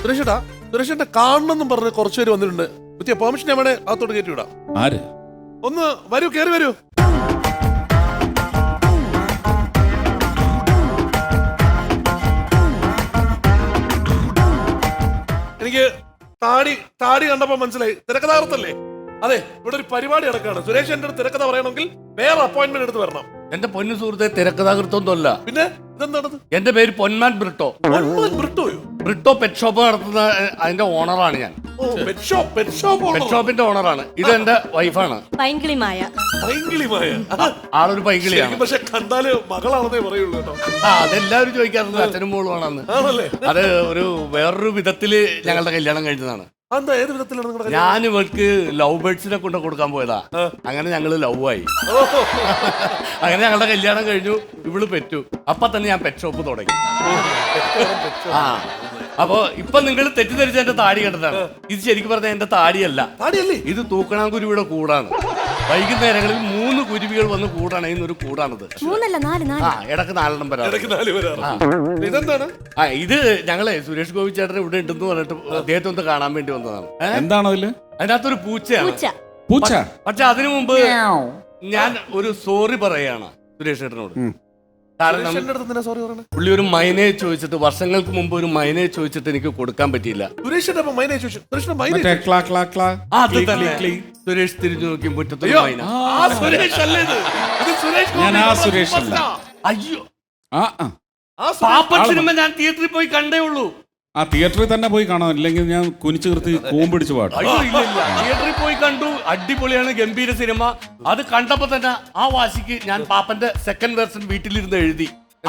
സുരേഷേട്ടാ, സുരേഷേട്ട കാണണമെന്നും പറഞ്ഞ് കുറച്ചുപേര് വന്നിട്ടുണ്ട്. പെർമിഷൻ ഞാൻ വേണേ അകത്തോട്ട് കയറ്റി വിടാം. ആര്? ഒന്ന് വരൂ, കയറി വരൂ. എനിക്ക് താടി കണ്ടപ്പോ മനസ്സിലായി തിരക്കഥാകൃത്തല്ലേ? അതെ, ഇവിടെ ഒരു പരിപാടി നടക്കാണ്. സുരേഷ് എന്റെ തിരക്കഥ പറയണമെങ്കിൽ വേറെ അപ്പോയിന്റ്മെന്റ് എടുത്ത് വരണം. എന്റെ പൊന്നു സുഹൃത്തെ, തിരക്കഥാകൃത്തൊന്നുമല്ല. പിന്നെ ഇതെന്താണത്? എന്റെ പേര് പൊന്മാൻ ബ്രിട്ടോ. ബ്രിട്ടോയോ? ബ്രിട്ടോ പെറ്റ് ഷോപ്പ് നടത്തുന്ന അതിന്റെ ഓണറാണ് ഞാൻ. പെറ്റ് ഷോപ്പിന്റെ ഓണറാണ്. ഇത് എന്റെ വൈഫാണ് പൈങ്കിളിമായ. ആളൊരു പൈങ്കിളിയാണ്. പക്ഷെ കണ്ടാല് മകളാണെന്നേ പറയുള്ളൂ കേട്ടോ. അതെല്ലാവരും ചോദിക്കാറുണ്ട് അച്ഛനും മോളുമാണെന്ന്. അത് ഒരു വേറൊരു വിധത്തില് ഞങ്ങളുടെ കല്യാണം കഴിഞ്ഞതാണ്. ഏത് വിധത്തിലാണ്? ഞാൻ ഇവൾക്ക് ലവ് ബേർഡ്സിനെ കൊണ്ട് കൊടുക്കാൻ പോയതാ. അങ്ങനെ ഞങ്ങള് ലവ് ആയി. അങ്ങനെ ഞങ്ങളുടെ കല്യാണം കഴിഞ്ഞു. ഇവള് പെറ്റു. അപ്പൊ തന്നെ ഞാൻ പെറ്റ് ഷോപ്പ് തുടങ്ങി. അപ്പൊ ഇപ്പൊ നിങ്ങൾ തെറ്റിദ്ധരിച്ച എന്റെ താടി കണ്ടതാണ്. ഇത് ശരിക്കും പറഞ്ഞാൽ എന്റെ താടിയല്ല, ഇത് തൂക്കണാങ്കുരുവിയുടെ കൂടാണ്. വൈകുന്നേരങ്ങളിൽ 3 കുരുവികൾ വന്ന് കൂടണയുന്നൊരു കൂടാണിത്. ഇടക്ക് 4 വരാം. ഇതെന്താണ്? ഇത് ഞങ്ങളെ സുരേഷ് ഗോപി ചേട്ടൻ ഇവിടെ ഉണ്ടെന്ന് പറഞ്ഞിട്ട് അദ്ദേഹത്തെ ഒന്ന് കാണാൻ വേണ്ടി വന്നതാണ്. എന്താണ് അതിനകത്തൊരു പൂച്ചയാണ്. പൂച്ച. പക്ഷെ അതിനു മുമ്പ് ഞാൻ ഒരു സോറി പറയാണ് സുരേഷ് ചേട്ടനോട്. കാരണം പുള്ളി ഒരു മൈനയെ ചോദിച്ചിട്ട്, വർഷങ്ങൾക്ക് മുമ്പ് ഒരു മൈനയെ ചോദിച്ചിട്ട് എനിക്ക് കൊടുക്കാൻ പറ്റിയില്ല. സുരേഷ് തിരിഞ്ഞു നോക്കി മുറ്റത്ത് മൈന. അയ്യോ, പാപ്പൻ സിനിമ ഞാൻ തിയേറ്ററിൽ പോയി കണ്ടേ ഉള്ളൂ. ആ തിയേറ്ററിൽ തന്നെ പോയി കാണാം, ഇല്ലെങ്കിൽ ഞാൻ കുനിച്ചു നിർത്തി കൂമ്പിടിച്ച് പാടും. അയ്യോ ഇല്ല, തിയേറ്ററിൽ പോയി കണ്ടു. അടിപൊളിയാണ്, ഗംഭീര സിനിമ. അത് കണ്ടപ്പോ തന്നെ ആ വാശിക്ക് ഞാൻ പാപ്പന്റെ സെക്കൻഡ് വേർഷൻ വീട്ടിലിരുന്ന് എഴുതി.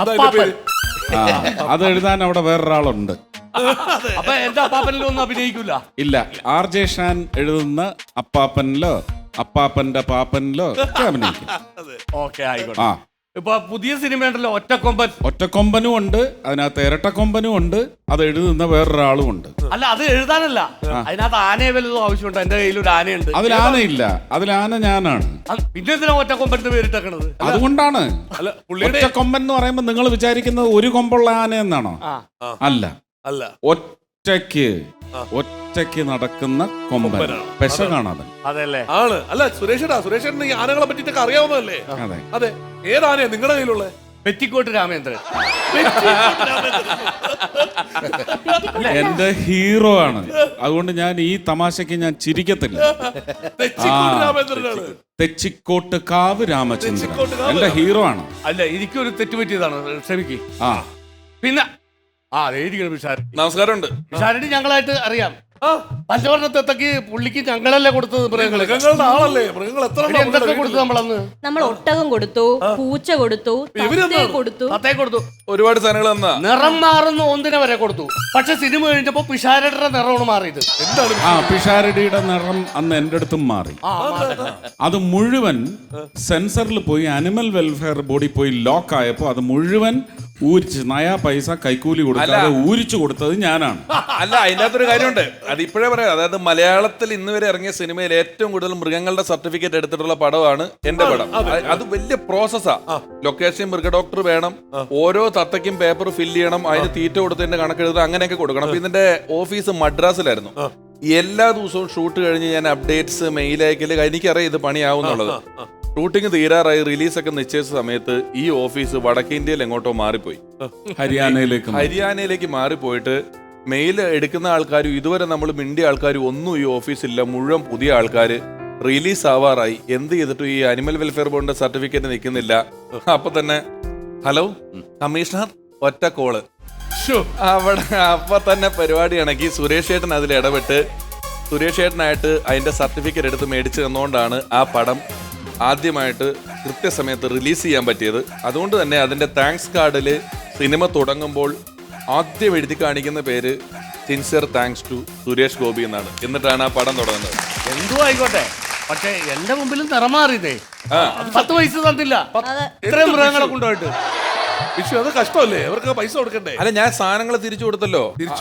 അത് എഴുതാൻ അവിടെ വേറൊരാളുണ്ട്. അപ്പൊ എന്റെ അപ്പാപ്പനിലോ ഒന്നും അഭിനയിക്കൂല. ഇല്ല, RJ ഷാൻ എഴുതുന്ന അപ്പാപ്പനിലോ അപ്പാപ്പന്റെ പാപ്പനിലോ ഒക്കെ അഭിനയിക്കും. ഓക്കെ, ആയിക്കോട്ടെ. ഇപ്പൊ പുതിയ സിനിമ ഉണ്ടല്ലോ ഒറ്റക്കൊമ്പൻ. ഒറ്റക്കൊമ്പനും ഉണ്ട്, അതിനകത്ത് ഇരട്ടക്കൊമ്പനും ഉണ്ട്, അത് എഴുതുന്ന വേറൊരാളും ഉണ്ട്. അല്ല, അത് എഴുതാനല്ല, അതിനകത്ത് ആനയെ വല്ലതും ആവശ്യമുണ്ട്. എന്റെ കയ്യിൽ ഒരു ആനയുണ്ട്. അതിൽ ആനയില്ല, അതിൽ ആന ഞാനാണ്. പിന്നെ എന്തിനാ ഒറ്റക്കൊമ്പന്റെ പേരിട്ടേക്കണത്? അതുകൊണ്ടാണ്. ഒറ്റക്കൊമ്പൻ എന്ന് പറയുമ്പോ നിങ്ങൾ വിചാരിക്കുന്നത് ഒരു കൊമ്പുള്ള ആന എന്നാണോ? അല്ല, ഒറ്റയ്ക്ക് നടക്കുന്ന കൊമ്പൻ, പെശ കാണാതെ. അതെല്ലേ? ആണ്. അല്ല സുരേഷേട്ടൻ ഈ ആനകളെ പറ്റിട്ടൊക്കെ അറിയാവുന്നതല്ലേ? അതെ. ഏതാനയാ നിങ്ങളുടെ കയ്യിലുള്ള? പെറ്റിക്കോട്ട് രാമേന്ദ്രൻ എന്റെ ഹീറോ ആണ്. അതുകൊണ്ട് ഞാൻ ഈ തമാശക്ക് ഞാൻ ചിരിക്കത്തില്ല. തെച്ചിക്കോട്ട് കാവ് രാമചന്ദ്രൻ എന്റെ ഹീറോ ആണ്. അല്ല, എനിക്കൊരു തെറ്റ് പറ്റിയതാണ്, ക്ഷമിക്ക്. പിന്നെ നമസ്കാരമുണ്ട്. വിശാരടി ഞങ്ങളായിട്ട് അറിയാം. പഞ്ചവർണ്ണത്തെത്തക്ക് പുള്ളിക്ക് ഞങ്ങളല്ലേ കൊടുത്തത്? മൃഗങ്ങളുടെ ആളല്ലേ? മൃഗങ്ങൾ എന്തൊക്കെ കൊടുത്തു നമ്മളന്ന്? നമ്മൾ ഒട്ടകം കൊടുത്തു, പൂച്ച കൊടുത്തു, തത്തയെ കൊടുത്തു, ഒരുപാട് സാധനങ്ങൾ തന്നാ. നിറം മാറുന്ന ഒന്നിനെ വരെ കൊടുത്തു. പക്ഷെ സിനിമ കഴിഞ്ഞപ്പോ പിഷാരടിയുടെ നിറമാണ് മാറിയത്. എന്താണ്? പിഷാരടിയുടെ നിറം അന്ന് എന്റെ അടുത്തും മാറി. അത് മുഴുവൻ സെൻസറിൽ പോയി അനിമൽ വെൽഫെയർ ബോഡി പോയി ലോക്ക് ആയപ്പോ അത് മുഴുവൻ ഊരിച്ച് നയാ പൈസ കൈക്കൂലി കൊടുക്കാതെ ഊരിച്ചു കൊടുത്തത് ഞാനാണ്. അല്ല, അതിൻ്റെ അകത്തൊരു കാര്യമുണ്ട്. അത് ഇപ്പോഴേ പറയാം. അതായത് മലയാളത്തിൽ ഇന്ന് വരെ ഇറങ്ങിയ സിനിമയിൽ ഏറ്റവും കൂടുതൽ മൃഗങ്ങളുടെ സർട്ടിഫിക്കറ്റ് എടുത്തിട്ടുള്ള പടമാണ് എന്റെ പടം. അത് വലിയ പ്രോസസ്സാ. ലൊക്കേഷൻ മൃഗ ഡോക്ടർ വേണം, ഓരോ തത്തയ്ക്കും പേപ്പർ ഫില്ല് ചെയ്യണം, അതിന് തീറ്റ കൊടുത്തതിന്റെ കണക്കെഴുതുക, അങ്ങനെയൊക്കെ കൊടുക്കണം. അപ്പൊ ഇതിന്റെ ഓഫീസ് മദ്രാസിലായിരുന്നു. എല്ലാ ദിവസവും ഷൂട്ട് കഴിഞ്ഞ് ഞാൻ അപ്ഡേറ്റ്സ് മെയിൽ അയക്കല്. എനിക്കറിയാം ഇത് പണിയാവുന്നുള്ളത്. ഷൂട്ടിംഗ് തീരാറായി, റിലീസൊക്കെ നിശ്ചയിച്ച സമയത്ത് ഈ ഓഫീസ് വടക്കേ ഇന്ത്യയിൽ എങ്ങോട്ടോ മാറിപ്പോയി. ഹരിയാനയിലേക്ക് മാറിപ്പോയിട്ട് മെയിൽ എടുക്കുന്ന ആൾക്കാരും ഇതുവരെ നമ്മൾ മിണ്ടിയ ആൾക്കാരും ഒന്നും ഈ ഓഫീസില്ല. മുഴുവൻ പുതിയ ആൾക്കാർ. റിലീസ് ആവാറായി. എന്ത് ചെയ്തിട്ടും ഈ അനിമൽ വെൽഫെയർ ബോർഡിന്റെ സർട്ടിഫിക്കറ്റ് നിൽക്കുന്നില്ല. അപ്പൊ തന്നെ ഹലോ കമ്മീഷണർ, ഒറ്റ കോള്. അവിടെ അപ്പൊ തന്നെ പരിപാടി ഇണക്കി സുരേഷ് ചേട്ടൻ അതിൽ ഇടപെട്ട് സുരേഷ് ചേട്ടനായിട്ട് അതിന്റെ സർട്ടിഫിക്കറ്റ് എടുത്ത് മേടിച്ചു തന്നുകൊണ്ടാണ് ആ പടം ആദ്യമായിട്ട് കൃത്യസമയത്ത് റിലീസ് ചെയ്യാൻ പറ്റിയത്. അതുകൊണ്ട് തന്നെ അതിന്റെ താങ്ക്സ് കാർഡിൽ സിനിമ തുടങ്ങുമ്പോൾ ആദ്യം എഴുതി കാണിക്കുന്ന പേര് sincere thanks to Suresh Gopi എന്നാണ്. എന്നിട്ടാണ് ആ പടം തുടങ്ങുന്നത്. എന്തോ ആയിക്കോട്ടെ, പക്ഷെ എന്റെ മുമ്പിലും നിറമാറിയതേ. 10 പൈസ തന്നില്ല ഇത്രയും മൃഗങ്ങളെ കൊണ്ടുപോയിട്ട്. അത് കഷ്ടമല്ലേ? അവർക്ക് പൈസ കൊടുക്കണ്ടേ? അല്ല, ഞാൻ സാധനങ്ങൾ തിരിച്ചു കൊടുത്തല്ലോ.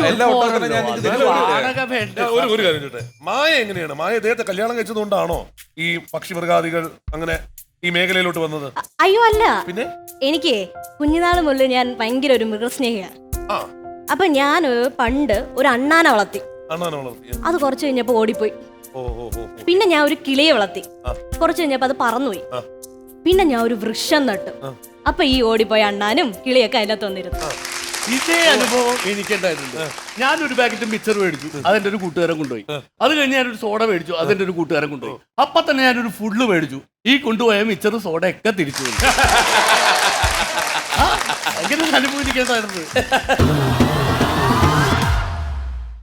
ഒരു കാര്യം ചോട്ടെ, മായ എങ്ങനെയാണ്? മായ ഇദ്ദേഹത്തെ കല്യാണം കഴിച്ചതുകൊണ്ടാണോ ഈ പക്ഷിമൃഗാദികൾ അങ്ങനെ ഈ മേഖലയിലോട്ട് വന്നത്? അയ്യോ അല്ല. പിന്നെ എനിക്ക് കുഞ്ഞുനാൾ മുതൽ ഞാൻ ഭയങ്കര ഒരു മൃഗസ്നേഹിയാണ്. അപ്പൊ ഞാൻ പണ്ട് ഒരു അണ്ണാനെ വളർത്തി. അണ്ണാനെ വളർത്തി. അത് കുറച്ച് കഴിഞ്ഞപ്പോ ഓടിപ്പോയി. ഓ ഓ ഓ. പിന്നെ ഞാൻ ഒരു കിളിയെ വളർത്തി. കുറച്ച് കഴിഞ്ഞപ്പോ അത് പറന്നുപോയി. പിന്നെ ഞാൻ ഒരു വൃക്ഷം നട്ടു. അപ്പൊ ഈ ഓടിപ്പോയ അണ്ണാനും കിളിയൊക്കെ അതിനകത്ത് വന്നിരുന്നു. ഇതേ അനുഭവം എനിക്കുണ്ടായിട്ടുണ്ട്. ഞാനൊരു പാക്കറ്റ് മിക്സർ മേടിച്ചു, അതെന്റെ ഒരു കൂട്ടുകാരൻ കൊണ്ടുപോയി. അത് കഴിഞ്ഞ് ഞാനൊരു സോഡ മേടിച്ചു, അതെന്റെ ഒരു കൂട്ടുകാരൻ കൊണ്ടുപോയി. അപ്പൊ തന്നെ ഞാനൊരു ഫുള്ള് മേടിച്ചു. ഈ കൊണ്ടുപോയ മിക്സർ സോഡ ഒക്കെ തിരിച്ചു പോയി. അങ്ങനെ അനുഭവിക്കേണ്ടായിരുന്നു.